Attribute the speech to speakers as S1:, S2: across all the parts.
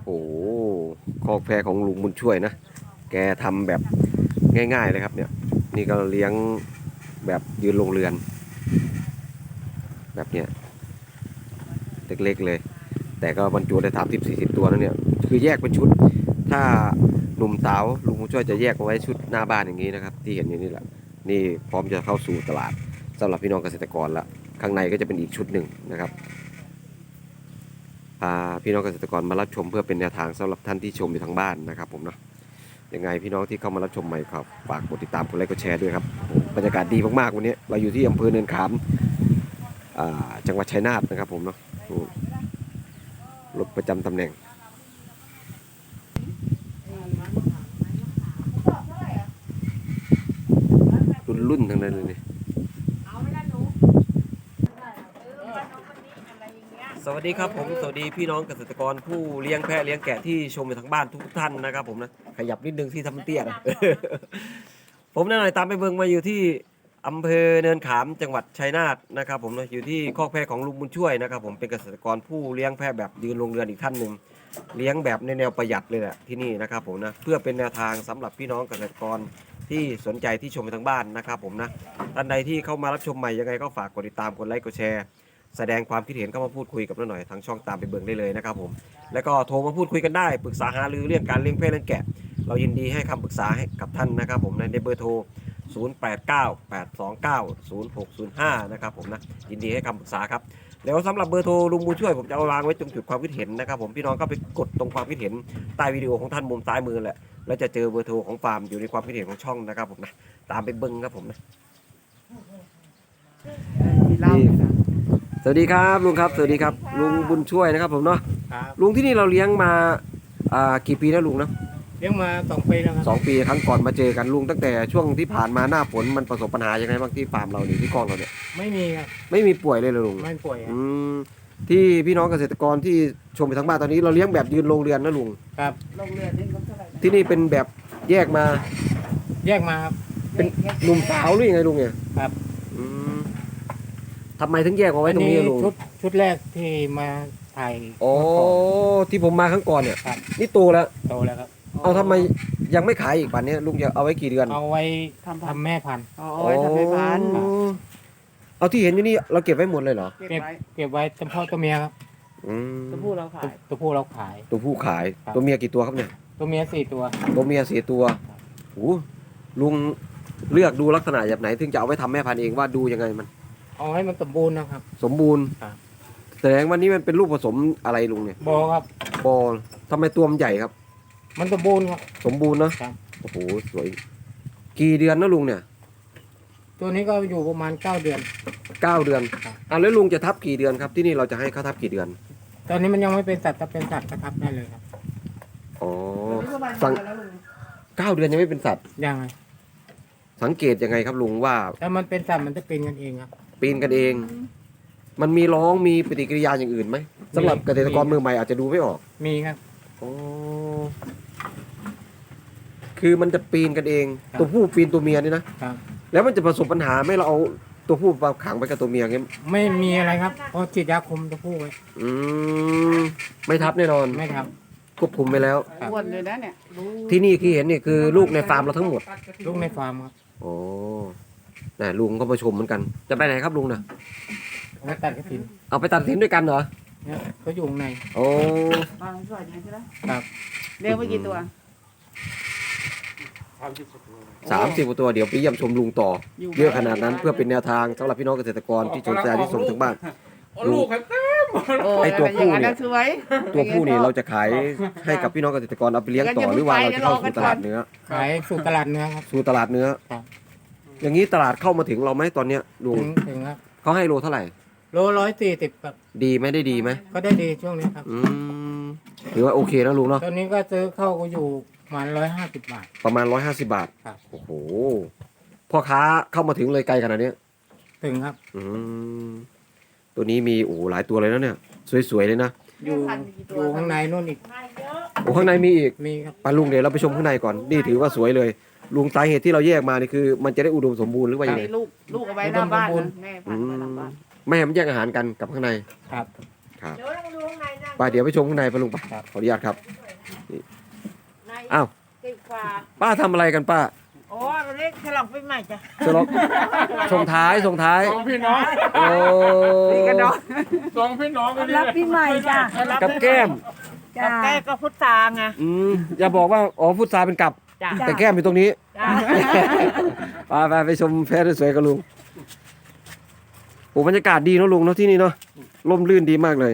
S1: คอกแพะของลุงบุญช่วยนะแกทำแบบง่ายๆเลยครับเนี่ยนี่ก็เลี้ยงแบบยืนโรงเรือนแบบเนี้ยเล็กๆเลยแต่ก็บรรจุได้30-40ตัวนะเนี่ยคือแยกเป็นชุดถ้าหนุ่มสาวลุงบุญช่วยจะแยกเอาไว้ชุดหน้าบ้านอย่างนี้นะครับที่เห็นอยู่นี่แหละนี่พร้อมจะเข้าสู่ตลาดสำหรับพี่น้องเกษตรกรละข้างในก็จะเป็นอีกชุดหนึ่งนะครับพาพี่น้องเกษตรกรมารับชมเพื่อเป็นแนวทางสำหรับท่านที่ชมอยู่ทางบ้านนะครับผมเนาะยังไงพี่น้องที่เข้ามารับชมใหม่ครับฝากกดติดตามกดไลค์กดแชร์ด้วยครับบรรยากาศดีมากๆวันนี้เราอยู่ที่อำเภอเนินขามจังหวัดชัยนาทนะครับผมเนาะรถประจำตำแหน่งรุ่นทั้งนั้นเลยนี่สวัสดีครับผมสวัสดีพี่น้องเกษตรกรผู้เลี้ยงแพะเลี้ยงแกะที่ชมอยู่ทางบ้านทุกท่านนะครับผมนะขยับนิดนึงที่ทำเตี้ยนะ ผมนั่นหน่อยตามไปเบิ่งมาอยู่ที่อำเภอเนินขามจังหวัดชัยนาทนะครับผมนะอยู่ที่คอกแพะของลุงบุญช่วยนะครับผมเป็นเกษตรกรผู้เลี้ยงแพะแบบยืนโรงเรือนอีกท่านหนึ่งเลี้ยงแบบในแนวประหยัดเลยแหละที่นี่นะครับผมนะเพื่อเป็นแนวทางสำหรับพี่น้องเกษตรกรที่สนใจที่ชมไปทางบ้านนะครับผมนะท่านใดที่เข้ามารับชมใหม่ยังไงก็ฝากกดติดตามกดไลค์กดแชร์แสดงความคิดเห็นเข้ามาพูดคุยกับเราหน่อยทางช่องตามไปเบิ่งได้เลยนะครับผมแล้วก็โทรมาพูดคุยกันได้ปรึกษาหารือเรื่องการเลี้ยงแพะเลี้ยงแกะเรายินดีให้คำปรึกษาให้กับท่านนะครับผมในเบอร์โทร0898290605นะครับผมนะยินดีให้คำปรึกษาครับแล้วสำหรับเบอร์โทรลุงบุญช่วยผมจะเอาวางไว้ตรงจุดความคิดเห็นนะครับผมพี่น้องก็ไปกดตรงความคิดเห็นใต้วิดีโอของท่านมุมซ้ายมือแหละแล้วจะเจอเบอร์โทรของฟาร์มอยู่ในความคิดเห็นของช่องนะครับผมนะตามไปเบิ้งครับผมนะสวัสดีครับลุงครับสวัสดีครับลุงบุญช่วยนะครับผมเนาะลุงที่นี่เราเลี้ยงมากี่ปีแล้วลุงนะ
S2: เลี้ยงมา2 ปีแล้วครับ
S1: 2 ปีครั้งก่อนมาเจอกันลุงตั้งแต่ช่วงที่ผ่านมาหน้าฝนมันประสบปัญหายังไงบ้างที่ฟาร์มเราเนี่ยที่กองเราเนี่ย
S2: ไม่มีครับ
S1: ไม่มีป่วยเลยลุง
S2: ไม่ป่วยครับ
S1: ที่พี่น้องเกษตรกรที่ชมไปทั้งบ้านตอนนี้เราเลี้ยงแบบยืนโรงเรือนนะลุง
S2: ครับ
S3: โรงเรือนนี่เขาเท่าไหร่
S1: ที่นี่เป็นแบบแยกมา
S2: ครับ
S1: เป็นหนุ่มสาวหรือยังไงลุงเนี่ย
S2: ครับ
S1: ทำไมถึงแยกเอาไว้ตรงนี้ลุง
S2: ชุดแรกที่มาถ่าย
S1: ที่ผมมาครั้งก่อนเนี่ยนี่โตแล้ว
S2: ครับ
S1: เอาทำไมยังไม่ขายอีกป่านนี้ลุงจะเอาไว้กี่เดือน
S2: เอาไว้ทำแม่พันธุ์
S3: เอาไว้ทำแม่พันธุ์
S1: เอาที่เห็นอยู่นี่เราเก็บไว้หมดเลยเหรอ
S2: เก็บไว้เฉพาะตัวเมียครับ
S3: ตัวผู้เราขาย
S2: ตัวผู้เราขาย
S1: ตัวเมียกี่ตัวครับเนี่ย
S2: ตัวเมีย4 ตัว
S1: ตัวเมีย4 ตัวโอ้ลุงเลือกดูลักษณะแบบไหนถึงจะเอาไว้ทำแม่พันธุ์เองว่าดูยังไงมัน
S2: เอาให้มันสมบูรณ์นะครับ
S1: สมบูรณ์แสดงว่านี้มันเป็นลูกผสมอะไรลุงเนี่ย
S2: บอครับ
S1: บอทำไมตัวมันใหญ่ครับ
S2: มันสมบูรณ์ครับ
S1: สมบูรณ์นะโอ้โหสวยกี่เดือนนะลุงเนี่ย
S2: ตัวนี้ก็อยู่ประมาณ9 เดือน
S1: แล้วลุงจะทับกี่เดือนครับที่นี่เราจะให้เขาทับกี่เดือน
S2: ตอนนี้มันยังไม่เป็นสัตว์ถ้าเป็นสัตว์ก็ทับได้เลยครับ
S1: 9 เดือนยังไม่เป็นสัตว์
S2: ยังไง
S1: สังเกตยังไงครับลุงว่า
S2: ถ้ามันเป็นสัตว์มันจะปีนกันเองครับ
S1: ปีนกันเองมันมีร้องมีปฏิกิริยาอย่างอื่นไหมสำหรับเกษตรกรมือใหม่อาจจะดูไม่ออก
S2: มีครับ
S1: คือมันจะปีนกันเองตัวผู้ปีนตัวเมียนี่นะครับแล้วมันจะประสบปัญหาไม่เราเอาตัวผู้มาขังไปกับตัวเมียงี้
S2: ไม่มีอะไรครับเพราะฉีดยาคุมตัวผู้ไว้
S1: ไม่ทับแน่นอน
S2: ไม่ทับ
S1: ควบคุมไปแล้ว
S3: อ้วนเลยนะเนี่ย
S1: ที่นี่ที่เห็นนี่คือลูกในฟาร์มเราทั้งหมด
S2: ลูกในฟาร์มครับ
S1: โอ้น่ะลุงก็มาชมเหมือนกันจะไปไหนครับลุงน่ะ
S2: ไปตัดกระถิน
S1: เอาไปตัดกระถินด้วยกันเหรอ
S2: เนี่ยเขาอยู่ข้างใน
S1: โอ้
S3: บางส่วนใช่ไหม
S2: ครับ
S3: เลี้ยงไปกี่ตัว
S1: 30 กว่าตัวเดี๋ยวไปเยี่ยมชมลุงต่อเยอะขนาดนั้นเพื่อเป็นแนวทางสำหรับพี่น้องเกษตรกรที่ชมที่ส่งถึงบ้าน
S3: ลูก
S1: ไอตัวผู้นี่เราจะขายให้กับพี่น้องเกษตรกรเอาไปเลี้ยงต่อหรือว่าเราจะเข้าสู่ตลาดเนื้อ
S2: ขายสู่ตลาดเนื้อครับ
S1: สู่ตลาดเนื้ออย่างนี้ตลาดเข้ามาถึงเราไหมตอนเนี้ยลุง
S2: ถึงครับ
S1: เขาให้โลเท่าไหร่
S2: โล140ครับ
S1: ดีไหมได้ดีไหม
S2: ก็ได้ดีช่วงนี้ครับ
S1: ถือว่าโอเคนะลุงเนาะ
S2: ตอนนี้ก็ซื้อเข้าก็อยู่ประมาณ150 บาท
S1: ประมาณ150 บาทโอ้โหพ่อค้าเข้ามาถึงเลยไกลขนาดนี้
S2: ถึงครับ
S1: ตัวนี้มีโอ้หลายตัวเลยนะเนี่ยสวยๆเลยนะ
S2: อยู่ข้างในนู่นอีก
S1: โอ้ข้างในมีอีก
S2: มีครับ
S1: ไปลุงเดี๋ยวเราไปชมข้างในก่อนนี่ถือว่าสวยเลยลุงสาเหตุที่เราแยกมานี่คือมันจะได้อุดมสมบูรณ์หรือว่ายังไง
S3: ลูกเอาไว้หน้าบ้านแม่พันธุ์ไว้หน้าบ้าน
S1: แม่มันแยกอาหารกันกับข้างใน
S2: ครับ
S1: ครับ
S4: เดี๋ยวเรามาดูข้างในนะ
S1: ไปเดี๋ยวไปชมข้างในไปลุงไปขออนุญาตครับ
S4: ใน
S1: อ้าว
S4: ติดกว่า
S1: ป้าทำอะไรกันป้า
S4: โอ้เราเล็กฉลองปีใหม่จ้ะ
S1: ฉลองส่งท้ายส่งท้าย
S3: สองพี่น้อง
S1: โอ้
S3: นี่กันเนาะสองพี่น้องกัน
S4: รับปีใหม่จ้ะ
S1: กับแก้ม
S4: จ้ะแก้ก็พุทธาไง
S1: อย่าบอกว่าอ๋อฟุตซาเป็นกับ
S4: จ้ะ
S1: แต่แก้มอยู่ตรงนี้
S4: จ้ะ
S1: ไปชมแพะสวยๆกับลุงโอ้บรรยากาศดีเนอะลุงเนาะที่นี่เนาะร่มรื่นดีมากเลย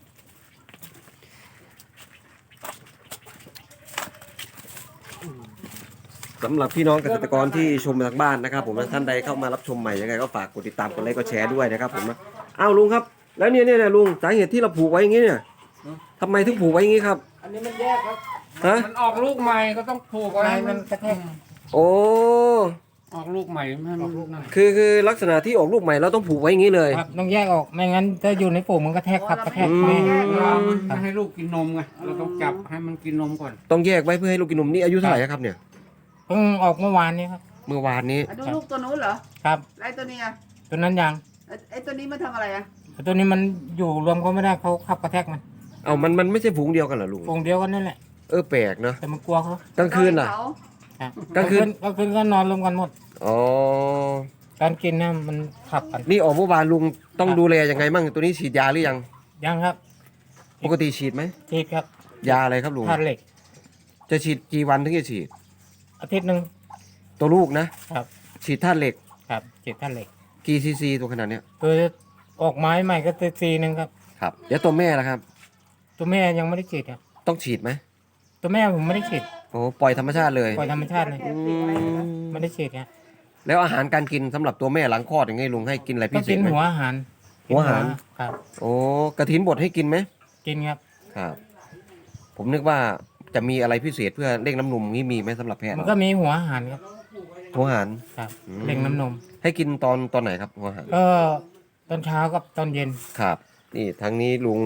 S1: สำหรับพี่น้องเกษตรกรที่ชมมาทางบ้านนะครับผมนะท่านใดเข้ามารับชมใหม่ยังไงก็ฝากกดติดตามกดไลค์กดแชร์ด้วยนะครับผมนะอ้าวลุงครับ แล้วเนี่ยลุงสาเหตุที่เราผูกไว้อย่างงี้เนี่ยทำไมถึงผูกไว้อย่างงี้ครับ
S2: อันนี้มันแยกครับ
S1: ฮะ
S3: มันออกลูกใหม่ก็ต้องผูกไว้
S2: ในมันกระแทก
S1: โอ้
S3: ออกลูกใหม่ให้มันลูกนั่น
S1: คือลักษณะที่ออกลูกใหม่เราต้องผูกไว้อย่างงี้เลย
S2: ครับต้องแยกออกไม่งั้นถ้าอยู่ในฝูงมันกระแทกครับกระแทก
S1: อืม
S2: แม่
S3: เราไม่ให้ลูกกินนมไงเราต้องจับให้มันกินนมก่อน
S1: ต้องแยกไว้เพื่อให้ลูกกินนมนี่อายุเท่าไหร่ครับเนี่ย
S2: เพิ่งออกเมื่อวานนี้ครับ
S1: เมื่อวานนี้
S3: ดูลูกตัวนู้นเหรอ
S2: ครับ
S3: ไอ้ตัวนี้อ่ะ
S2: ตัวนั้นยัง
S3: ไอ้ตัวนี้มันทำอะไรอ่ะ
S2: แต่ตัวนี้มันอยู่รวมก็ไม่ได้เขาขับกระแทกมัน
S1: เอามันไม่ใช่ฝูงเดียวกันเหรอลุง
S2: ฝูงเดียวกันนั่นแหละ
S1: แปลกเนาะ
S2: แต่มันกลัวเขา
S1: กลางคืนล่ะ
S2: ครับ
S1: กลางคืน
S2: กลางคืนก็นอนรวมกันหมด
S1: อ๋อ
S2: การกินเนี่ยมันขับกัน
S1: นี่ออกเมื่อวานลุงต้องดูแลยังไงมั่งตัวนี้ฉีดยาหรือยัง
S2: ยังครับ
S1: ปกติฉีดไหม
S2: ฉีดครับ
S1: ยาอะไรครับลุง
S2: ธาตุเหล็ก
S1: จะฉีดกี่วันถึงจะฉีด
S2: อาทิตย์หนึ่ง
S1: ตัวลูกนะครับ ฉีดธาตุเหล็ก
S2: ครับฉีดธาตุเหล็ก
S1: กี่ซีซีตัวขนาดเนี้ย
S2: คือออกไม้ใหม่ก็ซีหนึ่งครับ
S1: ครับเดี๋ยวตัวแม่ล่ะครับ
S2: ตัวแม่ยังไม่ได้ฉีดครับ
S1: ต้องฉีดไหม
S2: ตัวแม่ผมไม่ได้ฉีด
S1: โอ้ปล่อยธรรมชาติเลย
S2: ปล่อยธรรมชาติเลย
S1: อืม
S2: ไม่ได้ฉีดครับ
S1: แล้วอาหารการกินสำหรับตัวแม่หลังคลอดอย่างไงลุงให้กินอะไร
S2: ก็
S1: พิเศ
S2: กิ
S1: ษ
S2: น
S1: ไหม
S2: หัวอาหาร
S1: หัวอาหาร
S2: ครับ
S1: โอ้กระถินบดให้กินไหม
S2: กินครับ
S1: ครับผมนึกว่าจะมีอะไรพิเศษเพื่อเร่งน้ำนมนี้มีไหมสำหรับแพทย์
S2: มันก็มีหัวอาหารครับ
S1: หัวอาหาร
S2: ครับ
S1: อืม
S2: เร่งน้ำนม
S1: ให้กินตอนไหนครับหัวอาหาร
S2: ก็ตอนเช้ากับตอนเย็น
S1: ครับ นี่ทางนี้ลุง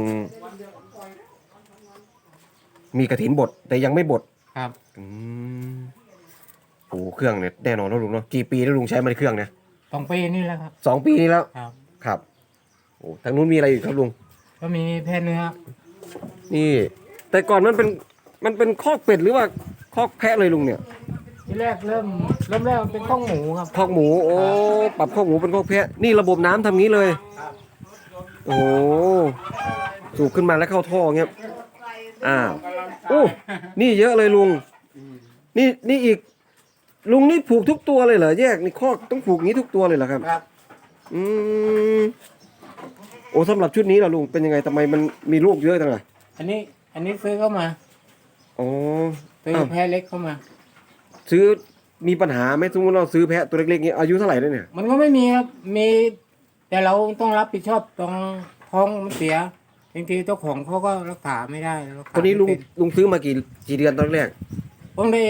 S1: มีกระถินบดแต่ยังไม่บด
S2: ครับ
S1: อืมโอ้เครื่องเนี่ยแน่นอนแล้วลุงเนาะกี่ปีแล้วลุงใช้มันเครื่องเนี่ย
S2: 2 ปีนี่แหละครับ
S1: 2 ปีนี้แล้ว
S2: ครับ
S1: ครับโอ้ทางนู้นมีอะไรอีกครับลุง
S2: ก็มีแพะเนื้อ
S1: นี่ แต่ก่อนมันเป็นคอกเป็ดหรือว่าคอกแพะเลยลุงเนี่ย
S2: ที่แรกเริ่มแรกมันเป็นข้องหมูครับ
S1: คอกหมูโอ้ปรับคอกหมูเป็นคอกแพะนี่ระบบน้ำทำงี้เลย โอ้โหสูบขึ้นมาแล้วเข้าท่อเงี้ยอ้าวโอ้นี่เยอะเลยลุงนี่อีก ลุงนี่ผูกทุกตัวเลยเหรอแยกนี่คอกต้องผูกงี้ทุกตัวเลยเหรอครับ
S2: ครับ
S1: อืมโอ้สำหรับชุดนี้ล่ะลุงเป็นยังไงทำไมมันมีลูกเยอะจังอ่ะ
S2: อันนี้ซื้อเข้ามา
S1: อ๋อ
S2: ซื้อ
S1: อ้าว
S2: แพะเล็กเข้ามา
S1: ซื้อมีปัญหาไหมสมมติเราซื้อแพะตัวเล็กๆนี้อายุเท่าไหร่แล้วเนี่ย
S2: มันก็ไม่มีครับมีแต่เราต้องรับผิดชอบตรงท้องมันเสียบางทีเจ้าของเขาก็รักษาไม่ได้รักษา
S1: ตัวนี้ลุง
S2: ไม่เป็
S1: ลุงซื้อมากี่เดือนตอนแรก
S2: ผมได้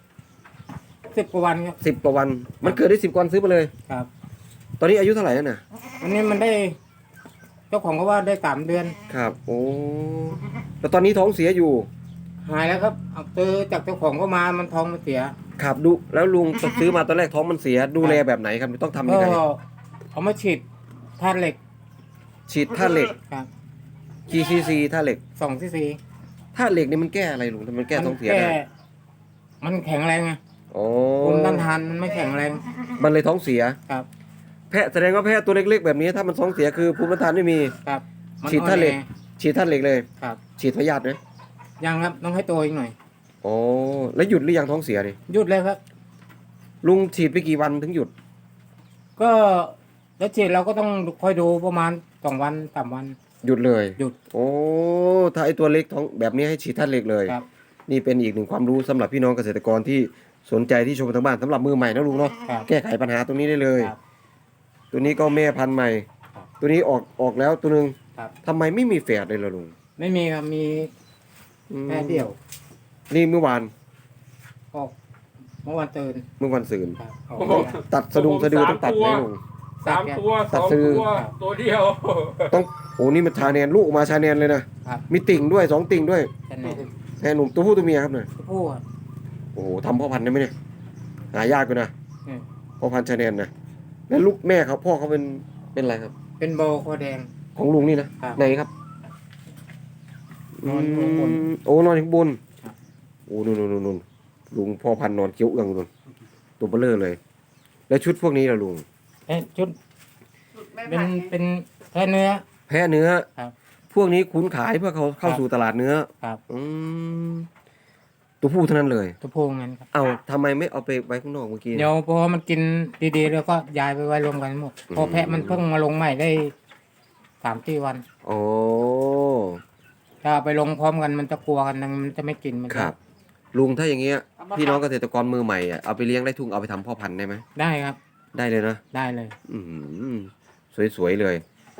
S2: 10 กว่าวันครับ
S1: 10 กว่าวัน มันเกิดได้10 วันซื้อมาเลย
S2: ครับ
S1: ตอนนี้อายุเท่าไหร่แล้วน่ะ
S2: วันนี้มันได้ เจ้าของเขาว่าได้3 เดือน
S1: ครับ โอ้แต่ตอนนี้ท้องเสียอยู่
S2: หายแล้วครับเอาซื้อจากเจ้าของก็มามันท้องมันเสีย
S1: ครับดูแล้วลุงซื้อมาตอนแรกท้องมันเสียดูแลแบบไหนครับต้องทำยั
S2: ก็
S1: งไง
S2: เอามาฉีดธาตุเหล็ก
S1: ฉีดธาตุเหล็ก
S2: ครับ
S1: กี่ซีซีธาตุเหล็ก
S2: 2 ซีซี
S1: ธาตุเหล็กนี่มันแก้อะไรลุงทำไมมันแก้ท้องเสียได้
S2: มันแข็งแรงไง
S1: โอ้
S2: ภูมิต้านทานมันไม่แข็งแรง
S1: มันเลยท้องเสีย
S2: ครับ
S1: แพะแสดงว่าแพะตัวเล็กๆแบบนี้ถ้ามันท้องเสียคือภูมิต้านทานไม่มี
S2: ครับมัน
S1: ฉีดธาตุเหล็ก
S2: อ่อน
S1: ฉีดธาตุเหล็กเลย
S2: แอครับ
S1: ฉีดพยาธิไหม
S2: ยังครับต้องให้โตอีกหน่อย
S1: โอ้แล้วหยุดหรือยังท้องเสียดิ
S2: หยุดเลยครับ
S1: ลุงฉีดไปกี่วันถึงหยุด
S2: ก็แล้วฉีดเราก็ต้องคอยดูประมาณ2 วัน 3 วัน
S1: หยุดเลย
S2: หยุด
S1: โอ้ถ้าไอตัวเล็กท้องแบบนี้ให้ฉีดธาตุเหล็กเลย
S2: ครับ
S1: นี่เป็นอีกหนึ่งความรู้สำหรับพี่น้องเกษตรกรที่สนใจที่ชมทางบ้านสำหรับมือใหม่นะลุงเนาะ
S2: ครับ
S1: แก้ไขปัญหาตรงนี้ได้เลย
S2: ครับ
S1: ตัวนี้ก็แม่พันธุ์ใหม่
S2: ครับ
S1: ตัวนี้ออกแล้วตัวหนึง
S2: ครับ
S1: ทำไมไม่มีแฝดเลยล่ะลุง
S2: ไม่มีครับมี
S1: อืม
S2: แค่เดียว
S1: นี่เมื่อวาน
S2: ออกเมื่อวันตื่น
S1: เมื่อวันศุกร์
S2: ครับออก
S3: โอ้โห
S1: ตัดสะดุงสะดือต้องตัดไหมลุง
S3: 3 ตัว
S1: ตัด
S3: 2
S1: ซื้อ
S3: ตัวตัวเดียว
S1: ต้องโอ้นี่มันชาแนนลูกออกมาชาแนนเลยนะครับ มีติ่งด้วย2 ติ่งด้วย
S2: แค่นั้น
S1: แค่หนุ่มตัวผู้ตัวเมียครับเนี่ย
S2: ผู้ครับ
S1: โอ้โหทำพ่อพันธุ์ได้ไหมเนี่ยหายากอยู่นะ
S2: อืม
S1: พ่อพันธุ์ชาแนนนะแล้วลูกแม่เขาพ่อเขาเป็นอะไรครับ
S2: เป็นโบคอแดง
S1: ของลุงนี่นะครับ ไหนครับ
S2: นอนอยู่ข้างบน
S1: โอ้นอนอยู่ข้างบน
S2: ครับ
S1: โอ้นู่นลุงพ่อพันธุ์นอนเกี้ยวเอื้องนู่นตัวเบลอเลย แล้วชุดพวกนี้ล่ะลุง
S2: ชุดเป็นแค่เนื้อ
S1: แพ้เนื้อ
S2: ครับ
S1: พวกนี้ขุนขายเพื่อเขาเข้า
S2: ครับ
S1: สู่ตลาดเนื้อ
S2: ครับ
S1: อืมตัวผู้เท่านั้นเลย
S2: ตัวพวงนั้นครับ
S1: เอาทำไมไม่เอาไปไว้ข้างนอกเมื่อกี้
S2: เดี๋ยวพอมันกินดีๆแล้วก็ย้ายไปไว้รวมกันหมดพอแพะมันเพิ่งมาลงใหม่ได้3-4 วัน
S1: โอ้
S2: ถ้าเอาไปลงพร้อมกันมันจะกลัวกันมันจะไม่กินมัน
S1: ครับ ลุงถ้าอย่างเงี้ยพี่น้องเกษตรกรมือใหม่อ่ะเอาไปเลี้ยงได้ทุ่งเอาไปทำพ่อพันธุ์ได้ไหม
S2: ได้ครับ
S1: ได้เลยนะ
S2: ได้เลย
S1: อืมสวยๆเลย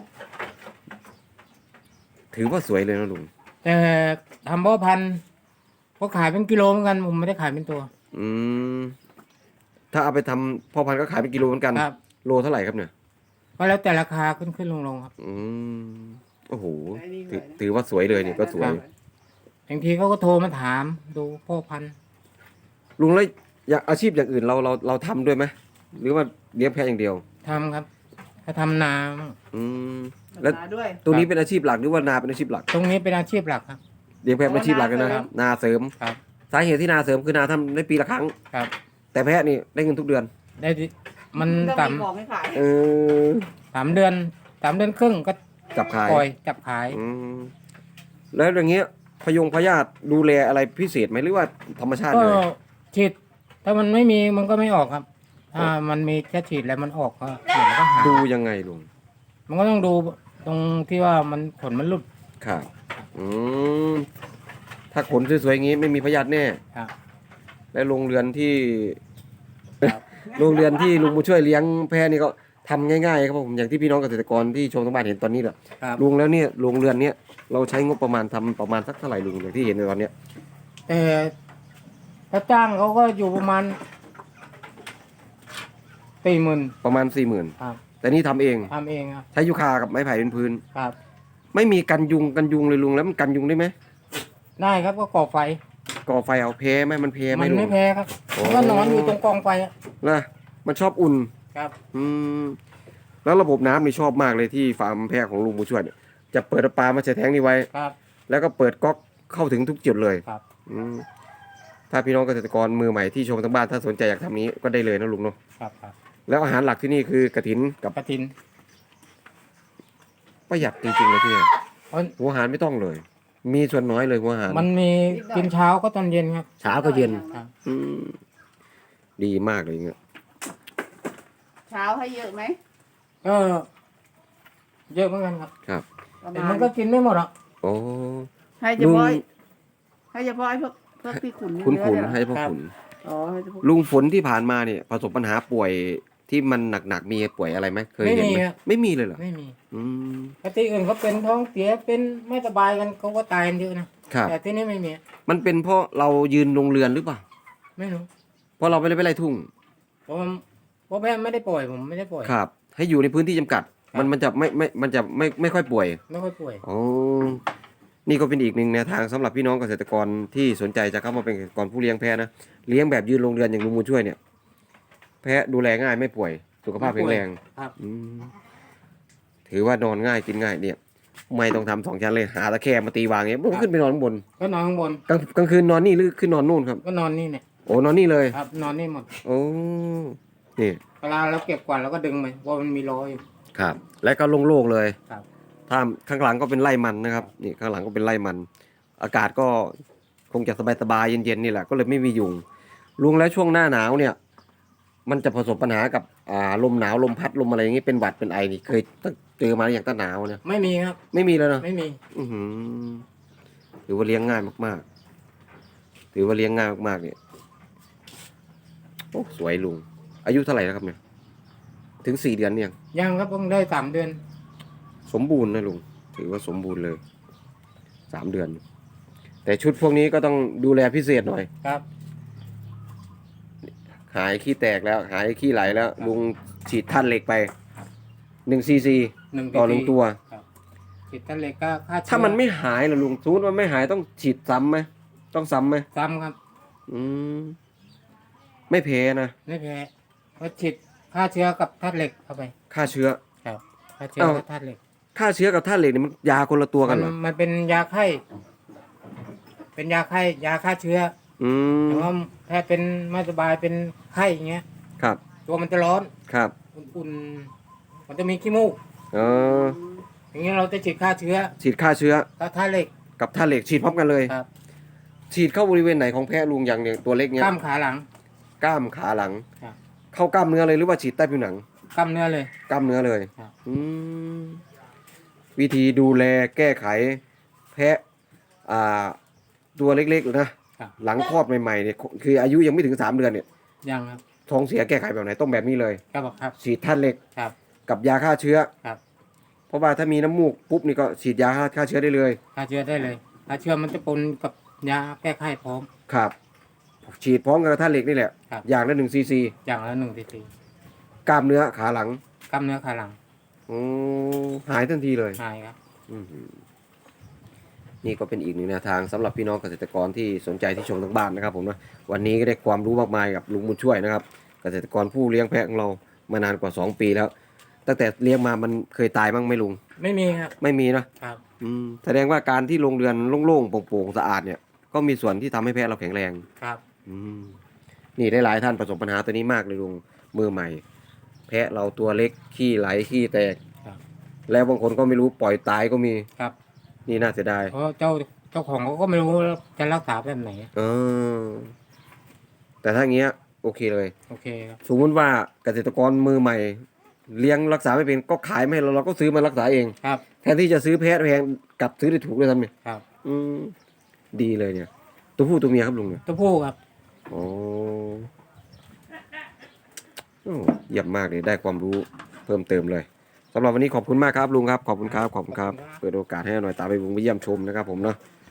S1: ถือว่าสวยเลยนะลุง
S2: แต่ทำพ่อพันธุ์ก็ขายเป็นกิโลเหมือนกันผมไม่ได้ขายเป็นตัว
S1: อืมถ้าเอาไปทำพ่อพันธุ์ก็ขายเป็นกิโลเหมือนกัน
S2: ครับ
S1: โลเท่าไหร่ครับเนี่ย
S2: ก็แล้วแต่ราคาขึ้นลงครับ
S1: อืมโอ้โหถือว่าสวยเลยนี่ก็สวย
S2: ครับ บางทีเขาก็โทรมาถามดูพ่อพันธุ์
S1: ลุงแล้วอยากอาชีพอย่างอื่นเราทำด้วยไหมหรือว่าเลี้ยงแพะอย่างเดียว
S2: ทำครับถ้าทำนา
S1: อืมแล้ว
S4: ด้วย
S1: ตัวนี้เป็นอาชีพหลักหรือว่านาเป็นอาชีพหลัก
S2: ตรงนี้เป็นอาชีพหลักครับ
S1: เลี้ยงแพะเป็นอาชีพหลักเลยนะครับ นาเสริม
S2: ครับ
S1: สาเหตุที่นาเสริมคือนาทำได้ปีละครั้ง
S2: ครับ
S1: แต่แพะนี่ได้เงินทุกเดือน
S2: ได้ดิมัน
S4: ต้องมีของให้ขาย
S1: เออ
S2: 3 เดือนครึ่งก็
S1: จับขาย
S2: ปล่อยจับขาย
S1: อืมแล้วอย่างเงี้ยพยาธิดูแลอะไรพิเศษไหมหรือว่าธรรมชาติ
S2: ก็
S1: เลย
S2: ฉีดถ้ามันไม่มีมันก็ไม่ออกครับ ถ้ามันมีแค่ฉีดแล้วมันออกก็เดี๋ยวมันก็หาย
S1: ดูยังไงลุง
S2: มันก็ต้องดูตรงที่ว่ามันขนมันหลุด
S1: ครับอืมถ้าขนสวยๆอย่างงี้ไม่มีพยาธิแน่
S2: ครับ
S1: และโรงเรือนที่
S2: ครับ
S1: โรงเรือนที่ลุงมาช่วยเลี้ยงแพะนี่ก็ทำง่ายๆครับผมอย่างที่พี่น้องเกษตรกรที่ชมทั้งบ้านเห็นตอนนี้แหละ
S2: ครับ
S1: ลุงแล้วเนี่ยโรงเรือนเนี้ยเราใช้งบประมาณทำประมาณสักเท่าไหร่ลุงอย่างที่เห็นในตอนเนี้ย
S2: แต่ถ้าจ้างเขาก็อยู่ประมาณ40,000
S1: ประมาณ 40,000
S2: ครับ
S1: แต่นี่ทำเอง
S2: ทำเองครับ
S1: ใช้ยูคากับไม้ไผ่เป็นพื้น
S2: ครับ
S1: ไม่มีกันยุงเลยลุงแล้วมันกันยุงได้ไหม
S2: ได้ครับก็ก่อไฟ
S1: ก่อไฟเอาเพไหมมันเพไหม
S2: มัน
S1: ลุ
S2: ไม่
S1: ง
S2: แพ้ครับ
S1: โอ้
S2: มันก็นอนอยู่ตรงกองไฟอะ
S1: นะมันชอบอุ่น
S2: ครับ
S1: อืมแล้วระบบน้ำนี่ชอบมากเลยที่ฟาร์มแพะของลุงบุญช่วยเนี่ยจะเปิดปลามาใส่แทงนี่ไว้
S2: ครับ
S1: แล้วก็เปิดก๊อกเข้าถึงทุกจุดเลย
S2: ครับ
S1: อืมถ้าพี่น้องเกษตรกรมือใหม่ที่ชมทั้งบ้านถ้าสนใจอยากทำนี้ก็ได้เลยนะลุงเนาะ
S2: ครับครับ
S1: แล้วอาหารหลักที่นี่คือกระถินกับ
S2: กระถิน
S1: ประหยัดจริงๆเลยที่เนี่ย
S2: เพราะ
S1: หัวอาหารไม่ต้องเลย มีส่วนน้อยเลยหัวอาหาร
S2: มันมีกินเช้าก็ตอนเย็นครับ
S1: เช้าก็เย็น
S2: ครับ
S1: อืมดีมากเลยเงี้ย
S4: เช้าให้เยอะไหม
S2: ก็เยอะเหมือนกันครับ
S1: ครับ
S4: ประ
S2: แต่
S4: มา
S2: มั
S4: ณ
S2: นก็กินไม่หมดหรอก
S1: โอ้
S4: ให้เฉ
S1: ลุง
S4: พาะให้เฉพาะไอ้พวกที่ขุน
S1: คุณ
S4: เนื้อ
S1: ขุน
S4: เนี่ย
S1: ให้พ่อขุน
S4: อ๋อให้เฉพาะ
S1: ลุงฝนที่ผ่านมาเนี่ยประสบปัญหาป่วยที่มันหนักๆมีป่วยอะไรไหมเคยเห็นไหมไม่มีเลยเหรอ
S2: ไม่มี
S1: อืม
S2: ปกติอื่นเขาเป็นท้องเสียเป็นไม่สบายกันเขาก็ตายกันเยอะนะครับ แต่ที่นี่ไม่มี
S1: มันเป็นเพราะเรายืนโรงเรือนหรือเปล่า
S2: ไม่รู้
S1: เพราะเราไม่ได้ไปไล่ทุ่ง
S2: เพราะแม่ไม่ได้ป่วยผมไม่ได้ป่วย
S1: ครับ ให้อยู่ในพื้นที่จำกัด
S2: ครับ
S1: มันจะไม่ค่อยป่วย
S2: ไม่ค่อยป่วย
S1: อ๋อนี่ก็เป็นอีกหนึ่งแนวทางสำหรับพี่น้องเกษตรกรที่สนใจจะเข้ามาเป็นเกษตรกรผู้เลี้ยงแพะนะเลี้ยงแบบยืนโรงเรือนอย่างลุงบุญช่วยเนี่ย แพะดูแลง่ายไม่ป่วย สุขภาพแข็งแรง
S2: ครับ
S1: อืมถือว่านอนง่ายกินง่ายเนี่ย ไม่ต้องทำ2 ชั้นเลยหาตะแคร่มาตีวางเงี้ยมันขึ้นไปนอนข้างบน
S2: ก็นอนข้างบน
S1: กลางคืนนอนนี่หรือขึ้นนอนนู่นครับ
S2: ก็นอนนี่เนี่ย
S1: โอ้นอนนี่เลย
S2: ครับ นอนนี่หมด
S1: โอ้นี่
S2: เวลาเราเก็บกวาดเราก็ดึงไปเพราะมันมีล้ออยู่
S1: ครับ แล้วก็โล่งๆเลย
S2: ครับ
S1: ถ้าข้างหลังก็เป็นไร่มันนะครับนี่ข้างหลังก็เป็นไร่มัน อากาศก็คงจะสบายๆเย็นๆนี่แหละก็เลยไม่มียุงลุงแล้วช่วงหน้าหนาวเนี่ย มันจะประสบปัญหากับลมหนาวลมพัดลมอะไรอย่างงี้เป็นหวัดเป็นไอนี่เคยเจอมาอย่างต้นหนาวเนี่ย
S2: ไม่มีครับ
S1: ไม่มีเลยเนาะ
S2: ไม่มี
S1: อื้อหือถือว่าเลี้ยงง่ายมากๆถือว่าเลี้ยงง่ายมากๆเนี่ยโอ้สวยลุงอายุเท่าไหร่แล้วครับเนี่ยถึง4 เดือนเนี่ยง
S2: ยังครับเพิ่งได้3 เดือน
S1: สมบูรณ์นะลุงถือว่าสมบูรณ์เลย3 เดือน แต่ชุดพวกนี้ก็ต้องดูแลพิเศษหน่อย
S2: ครับ
S1: หายขี้แตกแล้ว หายขี้ไหลแล้ว ลุงฉีดท่านเหล็กไป1 ซีซี ต่อ 1 ตัว
S2: ฉีดตะเล็กก็ฆ่าเชื้อ
S1: ถ้ามันไม่หายล่ะลุงสมมติมันไม่หายต้องฉีดซ้ำไหมต้องซ้ำไหม
S2: ซ้ำครับ
S1: อืมไม่แพ้นะ
S2: ไม่แพ้เพราะฉีดฆ่าเชื้อกับธาตุเหล็กเข้าไป
S1: ฆ่าเชื้อ
S2: ครับฆ่าเชื้อ
S1: เอ้า
S2: กับธาตุเหล็ก
S1: ฆ่าเชื้อกับธาตุเหล็กนี่มันยาคนละตัวกันเหรอ
S2: มันเป็นยาไข้เป็นยาฆ่าเชื้อ
S1: อืม
S2: แต่ว่าแพ้เป็นไม่สบายเป็นไข้อย่างเงี้ย
S1: ครับ
S2: ตัวมันจะร้อน
S1: ครับ
S2: อุ่นๆมันจะมีขี้มูก
S1: เออ
S2: อย่างเงี้ยเราจะฉีดฆ่าเชื้อ
S1: ฉีดฆ่าเชื้อ
S2: ก็ท่าเหล็ก
S1: กับท่าเหล็กฉีดพร้อมกันเลย
S2: ครับ
S1: ฉีดเข้าบริเวณไหนของแพะลุงอย่างเนี่ยตัวเล็กเนี้ย
S2: กล้ามขาหลัง
S1: กล้ามขาหลัง
S2: ครับ
S1: เข้ากล้ามเนื้อเลยหรือว่าฉีดใต้ผิวหนัง
S2: กล้ามเนื้อเลย
S1: กล้ามเนื้อเลย
S2: ครับ
S1: อืมวิธีดูแลแก้ไขแพะตัวเล็กๆนะครับ หลังคลอดใหม่ๆเนี่ยคืออายุยังไม่ถึง3 เดือนเนี่ย
S2: ยังครับ
S1: ท้องเสียแก้ไขแบบไหนต้องแบบนี้เลย
S2: ครับ
S1: ฉีดท่าเหล็ก
S2: ครับ
S1: กับยาฆ่าเชื้อ
S2: ครับ
S1: เพราะว่าถ้ามีน้ำมูกปุ๊บนี่ก็ฉีดยาฆ่าเชื้อได้เลย
S2: ฆ่าเชื้อได้เลยฆ่าเชื้อมันจะปนกับยาแก้ไข้พร้อม
S1: ครับ ฉีดพร้อมกับท่าเหล็กนี่แหละ
S2: ครับ
S1: อย่างละ1 ซีซี
S2: อย่างละ1 cc
S1: กล้ามเนื้อขาหลัง
S2: กล้ามเนื้อขาหลัง
S1: อืมหายทันทีเลย
S2: หายครับ
S1: อืมนี่ก็เป็นอีกหนึ่งแนวทางสำหรับพี่น้องเกษตรกรที่สนใจที่ชมทางบ้านนะครับผมนะวันนี้ก็ได้ความรู้มากมายกับลุงบุญช่วยนะครับ เกษตรกรผู้เลี้ยงแพะของเรามานานกว่า2 ปีแล้ว ตั้งแต่เลี้ยงมามันเคยตายบ้างไหมลุง
S2: ไม่มีครับ
S1: ไม่มีนะครับ แสดงว่าการที่โรงเรือนโล่งๆโปร่งๆสะอาดเนี่ยก็มีส่วนที่ทำให้แพะเราแข็งแรง
S2: ครับ
S1: อืมนี่ได้หลายท่านประสบปัญหาตัวนี้มากเลยลุงมือใหม่ แพะเราตัวเล็กขี้ไหลขี้แตก
S2: ครับ
S1: แล้วบางคนก็ไม่รู้ปล่อยตายก็มี
S2: ครับ
S1: นี่น่าเสียดาย
S2: เพราะเจ้าของเขาก็ไม่รู้จะรักษาแบบไหน
S1: เออแต่ถ้าอย่างเงี้ยโอเคเลย
S2: โอเคครับ
S1: สมมติว่าเกษตรกรมือใหม่ เลี้ยงรักษาไม่เป็นก็ขายไม่ให้เราก็ซื้อมารักษาเอง
S2: ครับ
S1: แทนที่จะซื้อแพะแพงกลับซื้อได้ถูกเลยทำเนี่ย
S2: ครับ
S1: ดีเลยเนี่ย ตัวผู้ตัวเมียครับลุงเนี่ย
S2: ตัวผู้ครับ
S1: โอ้โอ้เยี่ยมมากเลยได้ความรู้เพิ่มเติมเลยสำหรับวันนี้ขอบคุณมากครับลุงครับขอบคุณครับเปิดโอกาสให้หน่อยตามไปบุงไปเยี่ยมชมนะครับผมเนาะ
S2: ค